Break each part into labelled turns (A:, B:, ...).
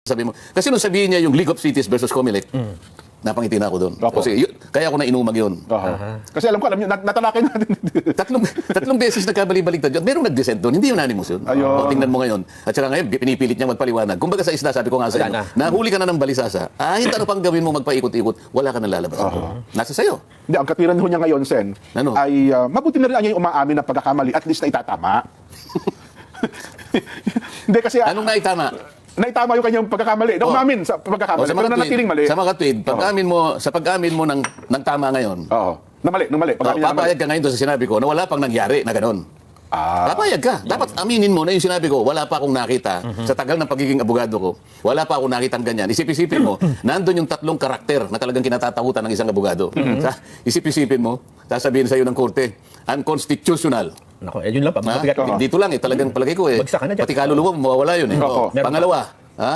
A: sabi mo. Kasi nung sabihin niya yung League of Cities versus Comelec, napangiti na ako doon. Kasi kaya ako na inumag yun.
B: Kasi alam niyo, natalakay natin.
A: tatlong beses nagkabali-baligtad yun. Merong nag-dissent doon. Hindi unanimous yun. O, tingnan mo ngayon. At saka ngayon, pinipilit niya magpaliwanag. Kumbaga sa isda, sabi ko nga sa inyo, nahuli ka na ng balisasa. Kahit ano pang gawin mo magpaikot-ikot, wala ka nang lalabas. Nasa sayo.
B: Hindi, ang katwiran ho niya ngayon, Sen, ay mabuti na rin niya yung umaamin na pagkakamali, at least na itatama. Hindi kasi...
A: Anong naitama?
B: Naitama yung kanyang pagkakamali. Umamin sa pagkakamali. Pero nanatiling mali.
A: Sa mga tweet, pag-amin mo ng tama ngayon,
B: na mali.
A: Papayag ka ngayon doon sa sinabi ko na wala pang nangyari na gano'n. Papayag ka. Dapat aminin mo na yung sinabi ko, wala pa akong nakita sa tagal ng pagiging abogado ko. Wala pa akong nakitang ganyan. Isip-isipin mo, nandun yung tatlong karakter na talagang kinatatakutan ng isang abogado. Isip-isipin mo, sasabihin sa'yo ng korte, unconstitutional.
C: Nako, yun lang pa.
A: Dito lang talagang palagay ko pati kaluluwa mo, mawawala yun Pangalawa,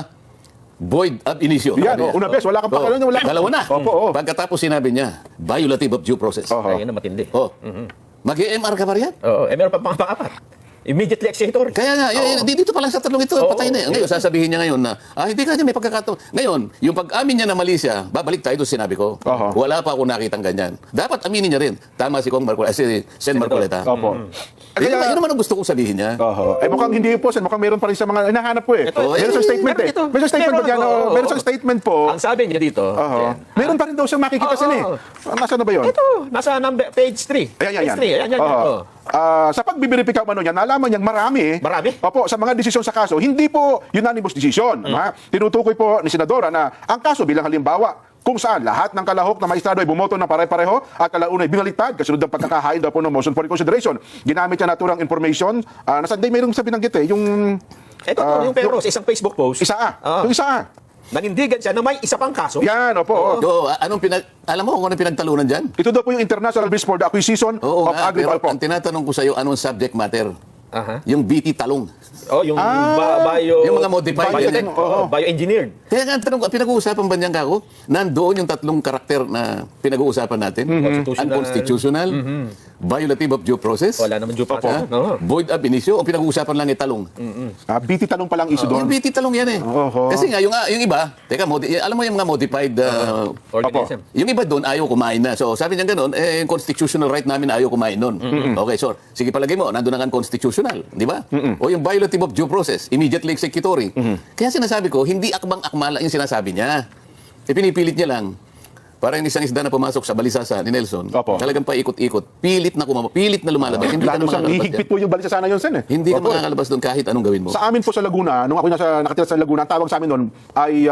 A: void ab initio.
B: Yan, una bes, wala kang pakialam, wala.
A: Dalawa na. Pagkatapos sinabi niya, violative of due process.
C: Ayun na matindi.
A: Mag-EMR ka ba riyan?
C: Oo, meron pa pang-apat. Immediately executor.
A: Kaya nga, dito pa lang sa tatlong ito, patay na. Ngayon, sasabihin niya ngayon na, hindi ka niya may pagkakataon. Ngayon, yung pag-amin niya na mali siya, babalik tayo doon sinabi ko. Wala pa ako nakitang ganyan. Dapat aminin niya rin. Tama si Sen Marcoleta. Yun naman ang gusto kong sabihin niya.
B: Mukhang hindi po, Sen. Mukhang meron pa rin sa mga hinahanap po Meron sa statement Meron sa statement po dyan. Meron sa statement po.
C: Ang sabi niya dito.
B: Meron pa rin daw siyang makikita, Sen. Nasaan na ba yun?
C: Ito, nasa page 3.
B: Ayan.
C: Ayan.
B: Sa pagbibiripika man niya, nalaman niyang marami. Opo, sa mga desisyon sa kaso, hindi po unanimous decision. Tinutukoy po ni Senadora na ang kaso bilang halimbawa, kung saan lahat ng kalahok na maestrado ay bumoto ng pare-pareho at kalauna ay binaliktad kasunod ng pagkakahain daw po ng motion for reconsideration. Ginamit niya naturang information. Nasaan day mayroong sabi ng gite, yung...
C: Ito yung pero sa isang Facebook post.
B: Yung isa.
C: Nanindigan siya na may isa pang kaso.
B: Yan, opo.
A: Alam mo kung ano pinagtalunan dyan?
B: Ito daw po yung International Bills for the Acquisition of Agri-Bio.
A: Pero ang tinatanong ko sa iyo, anong subject matter? Yung BT talong.
C: Yung bio...
A: Yung mga modified.
C: Bioengineered.
A: Kaya nga, tanong ko, pinag-uusapan ba niyan kako? Nandoon yung tatlong karakter na pinag-uusapan natin. Unconstitutional, violative of due process.
C: Wala naman due process.
A: Void ab initio, o pinag-uusapan lang italong.
B: BT talong palang issue doon.
A: Yung BT talong yan Kasi nga, yung iba, alam mo yung mga modified
C: organism.
A: Yung iba doon, ayaw kumain na. So, sabi niya gano'n, constitutional right namin ayaw kumain nun. Okay, so, sige palagay mo, nandun ang unconstitutional, di ba? O yung violative of due process, immediately executory. Kaya sinasabi ko, hindi akmang-akmala yung sinasabi niya. Pinipilit niya lang. Para yung isang isda na pumasok sa balisasa ni Nelson, talagang paikot-ikot, pilit na lumalabas. Hindi ka na makakalabas
B: higpit po yung balisa sana yun, Sen.
A: Hindi ka makakalabas doon kahit anong gawin mo.
B: Sa amin po sa Laguna, nung ako nakatira sa Laguna, ang tawag sa amin noon ay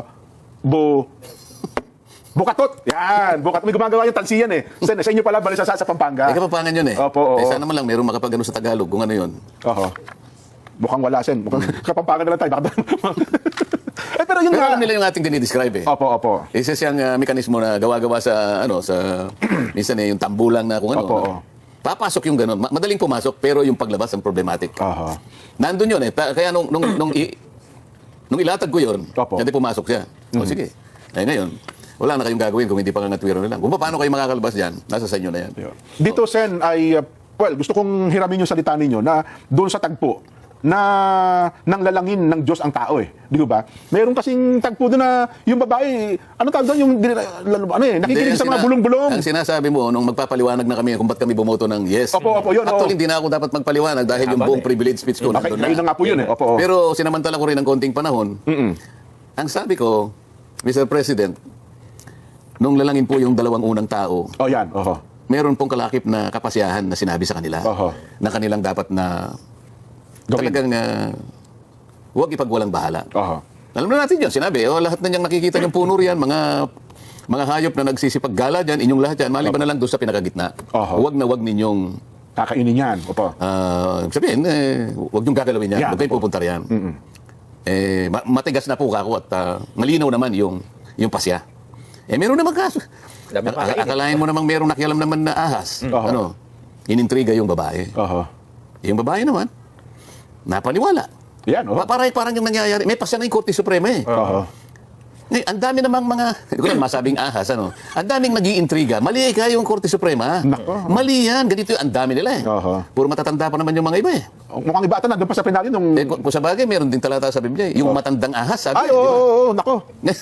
B: Bukatot. Yan, Bukatot. May gumagawa yung tansiyan Sen, sa inyo pala balisasa sa Pampanga.
A: Kapampangan yun
B: Opo.
A: Sana naman lang mayroong makapagano sa Tagalog kung ano yun.
B: Mukhang wala, Sen. Mukhang Kapampangan na lang tayo. Pero yun
A: alam nila yung ating dinidescribe
B: Opo.
A: Isa siyang mekanismo na gawa-gawa sa minsan yung tambulang na kung ano. Papasok yung gano'n. Madaling pumasok pero yung paglabas ang problematic. Nandun yun Kaya nung ilatag ko yun, hindi pumasok siya. O sige. Ngayon, wala na kayong gagawin kung hindi pa ngatwiro na lang. Kung paano kayo makakalabas dyan, nasa sa inyo na yan.
B: Dito, Sen, ay, gusto kong hiramin yung salita ninyo na doon sa tagpo na nang lalangin ng Diyos ang tao Di ba? Meron kasing tagpo doon na yung babae, tawag doon yung nakikinig sa mga bulong-bulong.
A: Ang sinasabi mo nung magpapaliwanag na kami kung ba't kami bumoto ng yes.
B: Opo, yun.
A: Actually, hindi na ako dapat magpaliwanag dahil yung buong privilege speech ko nandun na.
B: Ayun na nga po yun
A: Pero sinamantala ko rin ng konting panahon. Ang sabi ko, Mr. President, nung lalangin po yung dalawang unang tao, meron pong kalakip na kapasyahan na sinabi sa kanila na kanilang dapat na talagang huwag ipagwalang bahala. Alam na natin yun, sinabi, lahat na niyang nakikita niyong puno riyan, mga hayop na nagsisipaggala dyan, inyong lahat yan, maliban na lang doon sa pinakagitna. Huwag ninyong
B: kakainin yan.
A: Sabihin, huwag niyong gagalawin yan, huwag kayong pupunta riyan. Matigas na po ako at malinaw naman yung pasya. Meron naman kaso. Akalain mo namang merong nakialam naman na ahas. Inintriga yung babae. Yung babae naman, napaniwala.
B: Yan,
A: Parang yung nangyayari. May pasya na yung Korte Suprema Ngayon, ang dami namang mga, hindi ko lang masabing ahas, ano? Ang daming nag-iintriga. Mali ka yung Korte Suprema.
B: Nako.
A: Mali yan. Ganito yung ang dami nila eh.
B: Oho.
A: Puro matatanda pa naman yung mga iba eh.
B: Mukhang iba ata nandun pa sa penalyo nung...
A: Eh, kung sa bagay, meron din talata sa Biblia. Yung matandang ahas, sabi.
B: Ay,
A: di ba?
B: oo, nako.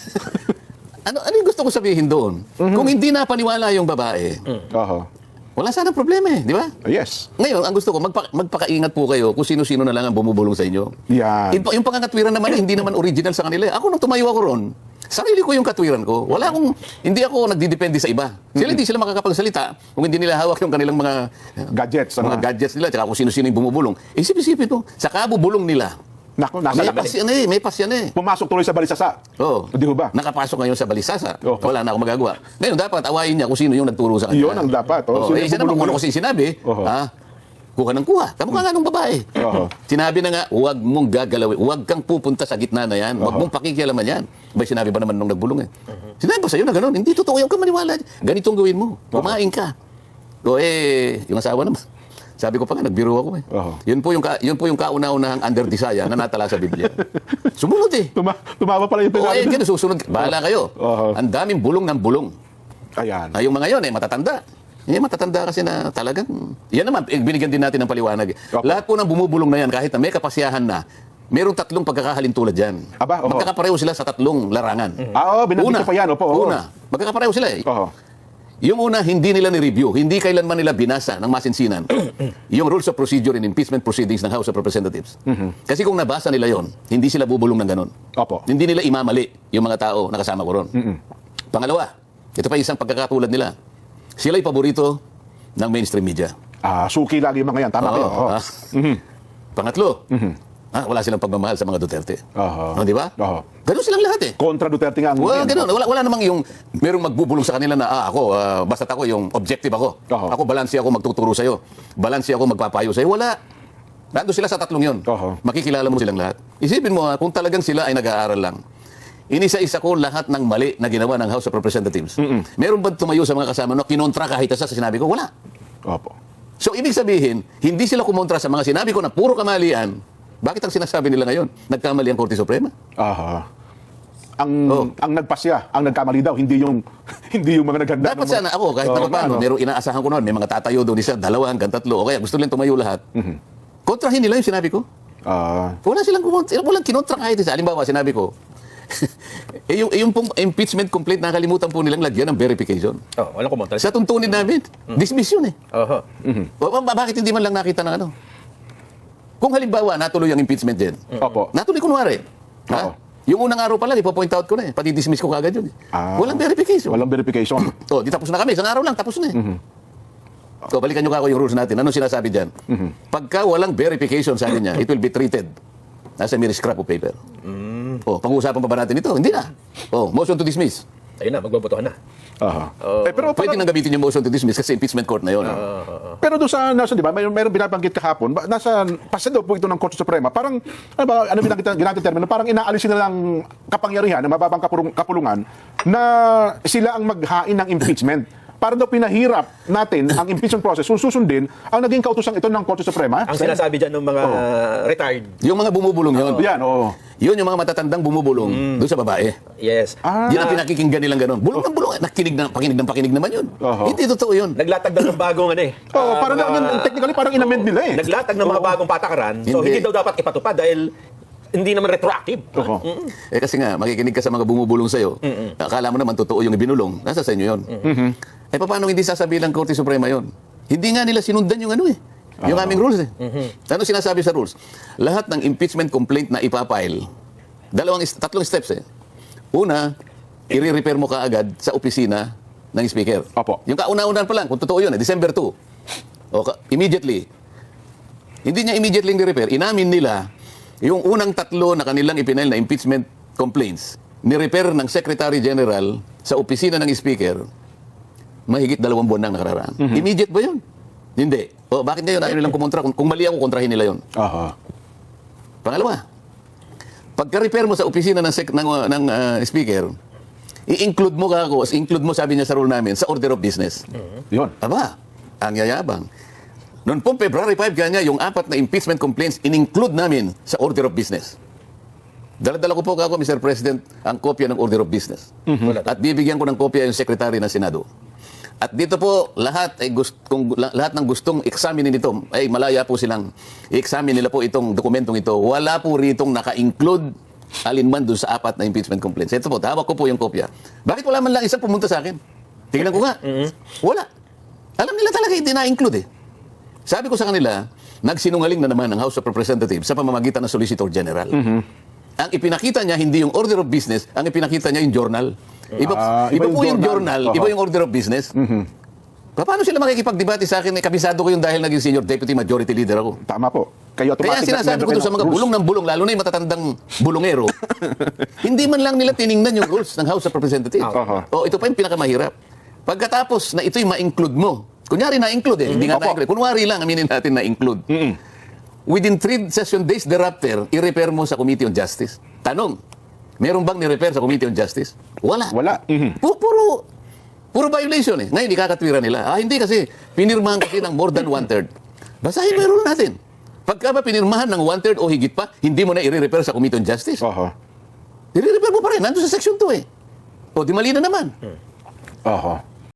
A: ano yung gusto ko sabihin doon? Kung hindi napaniwala yung babae,
B: Oho.
A: wala sana problema eh, di ba?
B: Yes.
A: Ngayon, ang gusto ko, magpakaingat po kayo kung sino-sino na lang ang bumubulong sa inyo.
B: Yan.
A: Yung pangangatwiran naman, hindi naman original sa kanila. Ako, nung tumayo ako ron, sarili ko yung katwiran ko. Hindi ako nagdidepende sa iba. Sila hindi sila makakapagsalita kung hindi nila hawak yung kanilang mga
B: Gadgets.
A: mga gadgets nila, tsaka kung sino-sino yung bumubulong. Isip-isipin mo, sa kabubulong nila,
B: Nako, nasa
A: may
B: labas.
A: pas yan eh, may pas yan eh.
B: Pumasok tuloy sa balisasa.
A: Oo.
B: Di ho ba?
A: Nakapasok ngayon sa balisasa.
B: Oo.
A: Wala na akong magagawa. Ngayon, dapat awayin niya kung sino yung nagturo sa kanya.
B: Yun ang dapat. Oh.
A: Oo. Siya naman, kung ano kasi sinabi,
B: Oo.
A: kuha ng kuha. Tamo ka nga ng babae.
B: Oo.
A: Sinabi na nga, huwag mong gagalawin. Huwag kang pupunta sa gitna na yan. Huwag mong pakikialaman yan. Ba, sinabi ba naman nung nagbulong eh? Sinabi ba sa'yo na gano'n? Hindi totoo yung ka maniwala. Ganitong gawin mo. Kumain ka. O yung asawa naman. Sabi ko pa nga, nagbiro ako eh.
B: Oo.
A: Yun po yung kauna-unahang under desire na natala sa Biblia. Sumunod eh.
B: Tumawa pala yung
A: Oo,
B: penalyo.
A: ganun, susunod. Bahala kayo.
B: Oo.
A: Ang daming bulong ng bulong.
B: Ayan.
A: Yung mga yon matatanda. Matatanda kasi na talagang... Yan naman, binigyan din natin ng paliwanag.
B: Opo.
A: Lahat po ng bumubulong na yan, kahit na may kapasyahan na, merong tatlong pagkakahalin tulad dyan.
B: Aba, oho.
A: Magkakapareho sila sa tatlong larangan.
B: Oo, binanggit ko pa yan. Opo, oo.
A: Una, magkakapareho sila eh.
B: Oho.
A: Yung una, hindi nila ni-review, hindi kailanman nila binasa ng masinsinan yung Rules of Procedure in Impeachment Proceedings ng House of Representatives. Kasi kung nabasa nila yon, hindi sila bubulong ng ganon.
B: Opo.
A: Hindi nila imamali yung mga tao na kasama ko ron. Pangalawa, ito pa isang pagkakatulad nila. Sila'y paborito ng mainstream media.
B: Suki lagi yung mga yan. Tama kayo. Oo.
A: Pangatlo, wala silang pagmamahal sa mga Duterte.
B: Oho.
A: Di ba?
B: Oho.
A: Ganun silang lahat eh.
B: Kontra Duterte nga ang...
A: Ganun. Wala namang yung merong magbubulong sa kanila na basta't ako yung objective ako.
B: Oho.
A: Ako balanse ako magtuturo sa'yo. Balanse ako magpapayo sa'yo. Wala. Nandun sila sa tatlong yun.
B: Oho.
A: Makikilala mo silang lahat. Isipin mo kung talagang sila ay nag-aaral lang. Inisa-isa ko lahat ng mali na ginawa ng House of Representatives. Meron ba tumayo sa mga kasama no kinontra kahit isa sa sinabi ko? Wala.
B: Opo.
A: So ibig sabihin, hindi sila kumontra sa mga sinabi ko na puro kamalian. Bakit ang sinasabi nila ngayon? Nagkamali ang Korte Suprema?
B: Aha. Ang nagpasya, ang nagkamali daw, hindi yung hindi yung mga naghanda.
A: Dapat sana ako, kahit na paano, merong inaasahan ko noon, may mga tatayo doon, isa, dalawa, hanggang tatlo, o kaya gusto nilang tumayo lahat. Kontrahin nila yung sinabi ko. Wala silang walang kinontra kahit isa. Halimbawa, sinabi ko, yung pong impeachment complaint, nakalimutan po nilang lagyan ng verification.
C: Walang kumontra.
A: Sa tuntunin namin, dismiss yun eh.
C: Oho.
A: Bakit hindi man lang nakita ng ano? Kung halimbawa, natuloy ang impeachment din.
B: Opo.
A: Natuloy kunwari.
B: Oo.
A: Yung unang araw pa lang, ipo-point out ko na eh. Pati dismiss ko kagad yun eh. Walang verification.
B: Walang verification.
A: Di tapos na kami. Isang araw lang, tapos na eh. Balikan nyo kako yung rules natin. Anong sinasabi dyan? Pagka walang verification, sabi niya, it will be treated as a mere scrap of paper. Pag-uusapan pa ba natin ito? Hindi na. Motion to dismiss.
C: Ayun na, magbobotohan na.
B: Aha.
A: Pero pwede nang gamitin yung motion to dismiss kasi impeachment court na yun.
B: Pero doon sa nasa, di ba, mayroong binabanggit kahapon, nasa pasa daw po ito ng Korte Suprema, parang ano ginagit termino, parang inaalisin na lang kapangyarihan ng mababang kapulungan na sila ang maghain ng impeachment. Para daw pinahirap natin ang impeachment process kung susundin ang naging kautusan ito ng Korte Suprema.
C: Ang sinasabi dyan ng mga retired.
A: Yung mga bumubulong yun.
B: Yan, oo.
A: Yun yung mga matatandang bumubulong doon sa babae.
C: Yes.
A: Yun ang pinakikinggan nilang gano'n. Bulong ng bulong. Pakinig naman yun. Hindi totoo yun.
C: Naglatag ng bagong
B: Technically parang inamend nila eh.
C: Naglatag ng mga bagong patakaran. So
A: Hindi.
C: hindi daw dapat ipatupad dahil hindi naman retroactive.
A: Kasi nga, makikinig ka sa mga bumubulong sa'yo. Akala mo naman totoo yung ibinulong. Nasa sa inyo yun. Paano hindi sasabihin ng Korte Suprema yun? Hindi nga nila sinundan yung ano eh. Yung aming rules eh. Ano sinasabi sa rules? Lahat ng impeachment complaint na ipapile, tatlong steps eh. Una, i-repair mo kaagad sa opisina ng speaker.
B: Opo.
A: Yung kauna-unan pa lang, kung totoo yun, December 2. Immediately. Hindi niya immediately ni-repair. Inamin nila yung unang tatlo na kanilang ipinail na impeachment complaints, ni-repair ng Secretary General sa opisina ng speaker, mahigit 2 buwan nang nakararaan. Immediate ba yun? Hindi. Bakit ngayon ayaw nilang kumontra? Kung mali ako, kontrahin nila yun. Pangalawa, pagka-repair mo sa opisina ng speaker, i-include mo, sabi niya sa rule namin, sa order of business.
B: Yun.
A: Aba, ang yayabang. Noon pong February 5 kanya, yung 4 na impeachment complaints, in-include namin sa order of business. Dala-dala ko po ako, Mr. President, ang kopya ng Order of Business. At bibigyan ko ng kopya yung Secretary ng Senado. At dito po, lahat lahat ng gustong examinin ito, ay malaya po silang i-examine nila po itong dokumentong ito. Wala po ritong naka-include alinman doon sa 4 na impeachment complaints. Ito po, hawak ko po yung kopya. Bakit wala man lang isang pumunta sa akin? Tingnan ko nga. Wala. Alam nila talaga hindi na-include eh. Sabi ko sa kanila, nagsinungaling na naman ang House of Representatives sa pamamagitan ng Solicitor General. Ang ipinakita niya hindi yung Order of Business, ang ipinakita niya yung journal. Iba po yung journal, iba yung Order of Business. Paano sila makikipagdebate sa akin? Kabisado ko yung dahil naging Senior Deputy Majority Leader ako.
B: Tama po. Kaya
A: Sinasabi ko doon sa mga bulong ng bulong, lalo na yung matatandang bulongero, hindi man lang nila tiningnan yung rules ng House of Representatives. Ito pa yung pinakamahirap. Pagkatapos na ito'y ma-include mo, kunyari na-include hindi nga na-include. Kunwari lang, aminin natin na-include. Within 3 session days thereafter, i-repair mo sa Committee on Justice. Tanong, meron bang ni-repair sa Committee on Justice? Wala. Puro violation eh. Ngayon, ikakatwira nila. Hindi kasi, pinirmahan kasi ng more than 1/3. Basahin mo yung rule natin. Pagka ba pinirmahan ng 1/3 o higit pa, hindi mo na i-repair sa Committee on Justice. I-repair mo pa rin. Nandun sa Section 2 eh. O, di mali na naman.